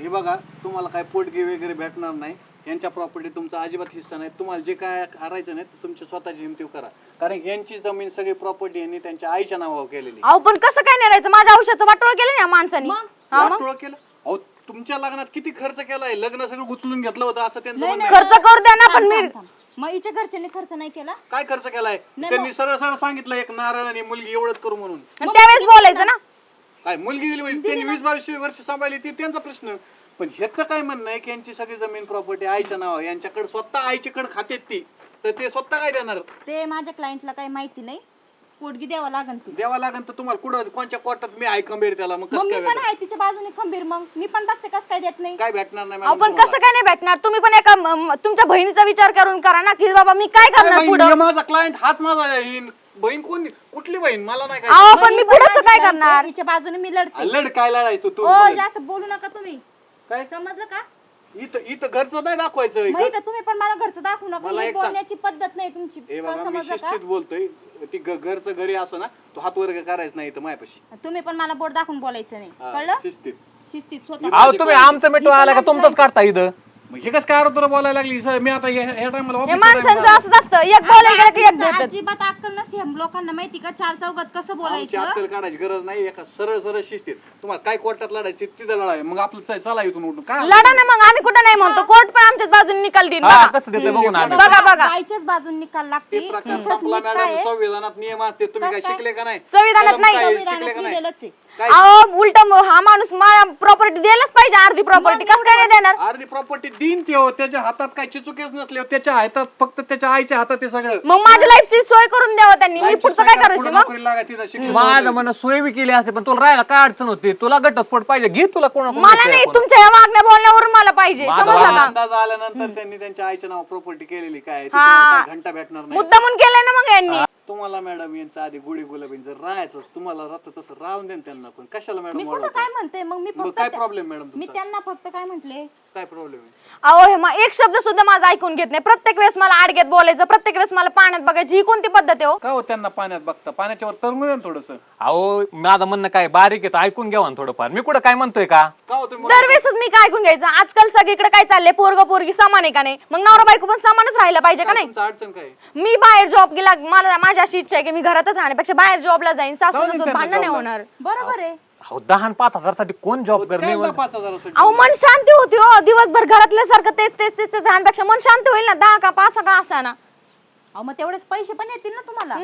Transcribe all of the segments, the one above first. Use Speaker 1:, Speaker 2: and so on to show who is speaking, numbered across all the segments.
Speaker 1: हे बघा तुम्हाला काय पोटगी वगैरे भेटणार नाही, यांच्या प्रॉपर्टी तुमचा अजिबात हिस्सा नाही. तुम्हाला जे काय करायचं नाही तुमच्या स्वतःची हिमतीव करा, कारण यांची जमीन सगळी प्रॉपर्टी यांनी त्यांच्या आईच्या नावावर केलेली.
Speaker 2: अहो पण कसं काय नेरायचं? माझ्या औषधाचं वाटोळ केलं ना माणसाने.
Speaker 1: वाटोळ केलं? अहो तुमच्या लग्नात किती खर्च केलाय, लग्न सगळं उचलून घेतलं होतं असं त्यांचं म्हणणं आहे.
Speaker 2: खर्च करू द्या ना, पण मी
Speaker 3: मग हिच्या घरच्यांनी खर्च नाही केला.
Speaker 1: काय खर्च केलाय? त्यांनी सरळ सरळ सांगितलं एक नारळ आणि मुलगी एवढंच करू म्हणून.
Speaker 2: त्यावेळेस बोलायचं ना.
Speaker 1: काय मुलगी दिली म्हणजे त्यांनी 20-22 वर्ष सांभाळली ती त्यांचा प्रश्न. पण ह्याचं काय म्हणणं आहे की यांची सगळी जमीन प्रॉपर्टी आईच्या नावावर, यांच्याकडे स्वतः आईच्याकडे खात्यात ती, तर ते स्वतः काय देणार?
Speaker 3: ते माझ्या क्लायंटला काही माहिती नाही, पोटगी द्यावा लागेल.
Speaker 1: द्यावा लागेल तर तुम्हाला कुठं कोणत्या कोर्टात मी आहे खंबीर त्याला? मग
Speaker 3: मी पण आहे तिच्या बाजूने खंबीर, मग मी पण बघते कसं काय देत नाही.
Speaker 1: काय भेटणार नाही
Speaker 2: आपण कसं काय नाही भेटणार? तुम्ही पण एका तुमच्या बहिणीचा विचार करून करा ना, की बाबा मी काय करणार पुढे.
Speaker 1: माझा क्लायंट हाच माझा बहीण. कोण? कुठली बहीण? मला नाही
Speaker 2: अहो पण मी पुढचं काय करणार?
Speaker 3: तिच्या बाजूने मी लढते.
Speaker 1: लढ काय लढायचो तू?
Speaker 3: जास्त बोलू नका तुम्ही,
Speaker 1: काय
Speaker 3: समजलं का?
Speaker 1: इथं घरचं नाही दाखवायचं.
Speaker 3: तुम्ही पण मला घरचं दाखवू नका, बोलण्याची पद्धत नाही तुमची.
Speaker 1: मी शिस्तीत बोलतोय, ती घरचं घरी असं ना, तो हात वर्ग करायचं नाही इथं माझ्यापाशी.
Speaker 3: तुम्ही पण मला बोट दाखवून बोलायचं नाही, कळलं?
Speaker 1: शिस्तीत
Speaker 3: शिस्तीत
Speaker 4: अहो तुम्ही आमचं मिठू आला का तुमचंच काढता इथं?
Speaker 1: मग हे कसं काय तुला बोलायला लागली? मी आता ह्या टायमाला
Speaker 2: हे माणसांचं असंच असतं, एक बोलायला गेलं की एक देतात.
Speaker 3: अजिबात अक्कल नसते ह्या लोकांना, माहिती का? चार चौघात कसं बोलायचं.
Speaker 1: अक्कल काढायची गरज नाही, एका सरळ सरळ शिस्तीत. तुम्हाला काय कोर्टात लढायची तिथं लढाय, मग आपलं चला इथून उठून काय
Speaker 2: लढा ना मग, आम्ही कुठं नाही म्हणतो. कोर्ट पण आमच्याच बाजूने निकाल देईल.
Speaker 4: हा, कसं देते बघू ना आम्ही.
Speaker 2: बघा बघा,
Speaker 3: बाईच्याच बाजून निकाल
Speaker 1: ते
Speaker 3: लागते.
Speaker 1: प्रकार संपला मॅडम. संविधानात नियम असते, तुम्ही काय शिकले का नाही?
Speaker 2: संविधानात नाही.
Speaker 1: शिकले का नाही?
Speaker 2: अहो उलट हा माणूस मला प्रॉपर्टी द्यायलाच पाहिजे, अर्धी प्रॉपर्टी. कसं काय नाही देणार?
Speaker 1: अर्धी प्रॉपर्टी देईन ते, त्याच्या हातात काय चिचुकेच नसले, त्याच्या हातात फक्त त्याच्या आईच्या हातात ते सगळं.
Speaker 2: मग माझ्या लाईफची सोय करून द्यावं त्यांनी, मी पुढचं काय करायचं मग?
Speaker 4: माझं म्हणणं सोय बी केली असते, पण तुला राहायला काय अडचण होती? तुला घटस्फोट पाहिजे, घे तुला कोण.
Speaker 2: मला नाही, तुमच्या या वागण्या बोलण्यावरून मला पाहिजे, समजलं का?
Speaker 1: अंदाज आल्यानंतर त्यांनी त्यांच्या आईच्या नाव प्रॉपर्टी केलेली. काय घंटा भेटणार नाही.
Speaker 2: मुद्दामून केलंय ना मग यांनी.
Speaker 1: तुम्हाला मॅडम यांचं आधी गुढी गुलाबीन जर राहायचं, तुम्हाला राहतं तसं राहून देन त्यांना. पण कशाला
Speaker 3: मी
Speaker 1: मॅडम
Speaker 3: कुठं काय म्हणते? मग मी फक्त
Speaker 1: काय प्रॉब्लेम मॅडम?
Speaker 3: मी त्यांना फक्त काय म्हटले?
Speaker 1: काय प्रॉब्लेम आहे?
Speaker 2: अहो हे एक शब्द सुद्धा माझा ऐकून घेत नाही. प्रत्येक वेळेस मला आडग्यात बोलायचं, प्रत्येक वेळेस मला पाण्यात बघायची. ही कोणती पद्धत आहे हो?
Speaker 1: का हो त्यांना पाण्यात बघता? पाण्याच्यावर तरंगू द्या थोडस.
Speaker 4: अहो माझं म्हणणं काय बारीक आहे, ऐकून घ्यावा ना थोडंफार. मी कुठं काय म्हणतोय का?
Speaker 1: का हो तुम्ही?
Speaker 2: दरवेळेसच मी काय ऐकून घ्यायचं? आजकाल सगळीकडे काय चाललंय, पोरग पोरगी समान आहे का नाही? मग नवरा बायको पण समानच राहिलं पाहिजे का नाही?
Speaker 1: तुमचं अडचण काय?
Speaker 2: मी बाहेर जॉब गेला, मला माझी अशी इच्छा आहे की मी घरातच राहण्यापेक्षा बाहेर जॉबला जाईन. सासू भांडण नाही होणार.
Speaker 3: बरोबर आहे.
Speaker 4: अहो 10-5 साठी कोण जॉब करणे?
Speaker 1: 5,000
Speaker 2: अहो मन शांती होती हो, दिवसभर घरातल्या सारखं तेच तेच तेच राहण्यापेक्षा मन शांत होईल ना. 10 का 5 का असा ना.
Speaker 3: अहो मग तेवढेच पैसे पण येतील ना तुम्हाला.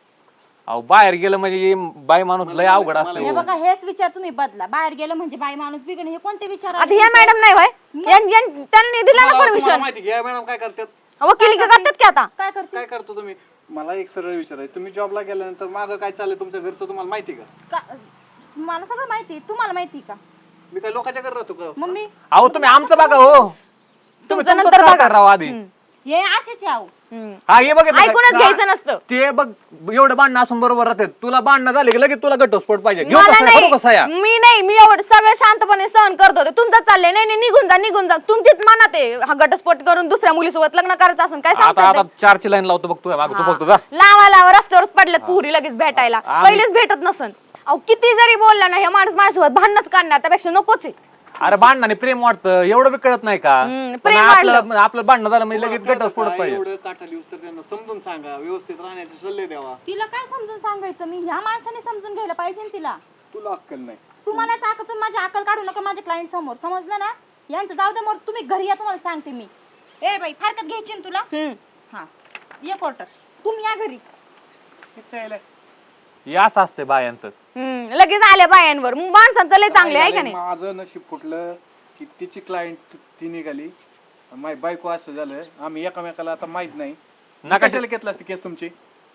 Speaker 4: अहो बाहेर गेलं म्हणजे बाई माणूस लय अवघड असतं.
Speaker 3: हे बघा, हेच विचार तुम्ही बदला. बाहेर गेलं म्हणजे बाई माणूस बिघडणे, हे कोणते विचार?
Speaker 2: आता ह्या मॅडम नाही होय, त्यांनी दिला ना परमिशन.
Speaker 1: माहिती घ्या मॅडम काय करतात?
Speaker 2: वकिली का करतात की आता?
Speaker 3: काय करते?
Speaker 1: काय करतो तुम्ही? मला एक सरळ विचारायचं, तुम्ही जॉबला गेल्यानंतर मागं काय चाललंय तुमच्या घरचं तुम्हाला माहिती का?
Speaker 3: मला सगळं माहिती. तुम्हाला माहिती का?
Speaker 1: मी काय लोकांच्या घरी राहतो का?
Speaker 3: मम्मी
Speaker 4: अहो तुम्ही आमचं बघा हो, तुम्ही नंतर बघा राव आधी.
Speaker 3: हे असेच आहो.
Speaker 4: हा हे बघ,
Speaker 2: ऐकूनच घ्यायचं नसतं
Speaker 4: ते बघ. एवढं भांडणं असून बरोबर राहते. तुला भांडणं झाले की लगेच तुला घटस्फोट पाहिजे. घेऊ
Speaker 2: मला
Speaker 4: कसं
Speaker 2: नाही,
Speaker 4: करू कसं या?
Speaker 2: मी एवढं सगळं शांतपणे सहन करत होते. तुमचं चाललंय नाही निघून जा. तुमचीच मनात आहे हा घटस्फोट करून दुसऱ्या मुलीसोबत लग्न करायचं असं काय
Speaker 4: आता
Speaker 2: सांगता?
Speaker 4: 4ची लाईन लावतो बघ तू माग, तू फक्त जा.
Speaker 2: लावा रस्त्यावरच पडल्यात पुरी लगेच भेटायला. पहिलेच भेटत नसन. अहो किती जरी बोलला ना, हे माणूस माझ्यासोबत भांडणच काढणार, त्यापेक्षा नकोच आहे.
Speaker 4: अरे भांडणाने प्रेम वाटतं, एवढं बी कळत नाही का?
Speaker 2: प्रेम
Speaker 4: आपलं भांडण झालं म्हणजे लगेच घटस्फोट पाहिजे.
Speaker 1: एवढं काठाली तर त्यांना समजून सांगा, व्यवस्थित राहण्याचे सल्ले द्यावा.
Speaker 3: तिला काय समजून सांगायचं? मी ह्या माणसाने समजून घ्यायला पाहिजे ना तिला.
Speaker 1: तुला अक्कल नाही.
Speaker 3: तुम्हालाच तुम्ही माझी अक्कल काढू नका माझ्या क्लायंट समोर, समजलं ना? यांचं जाऊ दे, मग तुम्ही घरी या, तुम्हाला सांगते मी. ए बाई, फारकत घ्यायची ना तुला? हा ये क्वार्टर, तुम्ही या घरी.
Speaker 4: याच असते बायांचं.
Speaker 2: लगेच आल्या बायांवर. माणसांचं लय चांगले आहे का नाही?
Speaker 1: माझं नशीब फुटलं की तिची क्लायंट ती निघाली, माझी बायको असं झालं. आम्ही एकमेकाला आता माहित नाही. कशाला घेतला असते केस तुमची?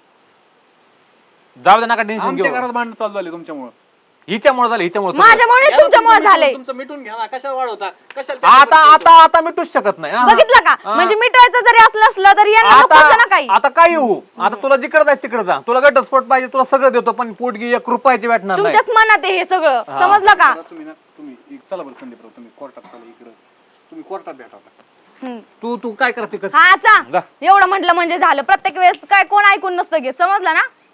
Speaker 4: जाऊ दे नका टेन्शन घेऊ.
Speaker 1: घरात भांडण चालू झाले तुमच्यामुळे.
Speaker 4: हिच्यामुळे झालं, हिच्यामुळे.
Speaker 2: माझ्यामुळे तुमच्यामुळे झालंय.
Speaker 1: तुमचं मिटून घ्या ना, कशाला वाढवता? कशाला?
Speaker 4: आता मिटूच शकत नाही.
Speaker 2: बघितलं का? म्हणजे मिटवायचं जरी असलं तरी यांना नको होतं ना काही.
Speaker 4: आता काय येऊ? आता तुला जिकडे जायचं तिकडे जा. तुला घटस्फोट पाहिजे, तुला सगळं देतो, पण पोटगी 1 रुपयाची भेटणार नाही.
Speaker 2: तुमच्याच मनात आहे हे सगळं, समजलं का?
Speaker 1: तुम्ही चला बरं संदीपराव, तुम्ही कोर्टात चला. इकडे तुम्ही कोर्टात भेटा.
Speaker 4: तू काय करते?
Speaker 2: हा चा एवढं म्हटलं म्हणजे झालं. प्रत्येक वेळेस काय कोण ऐकून नसतं घेत, समजलं ना?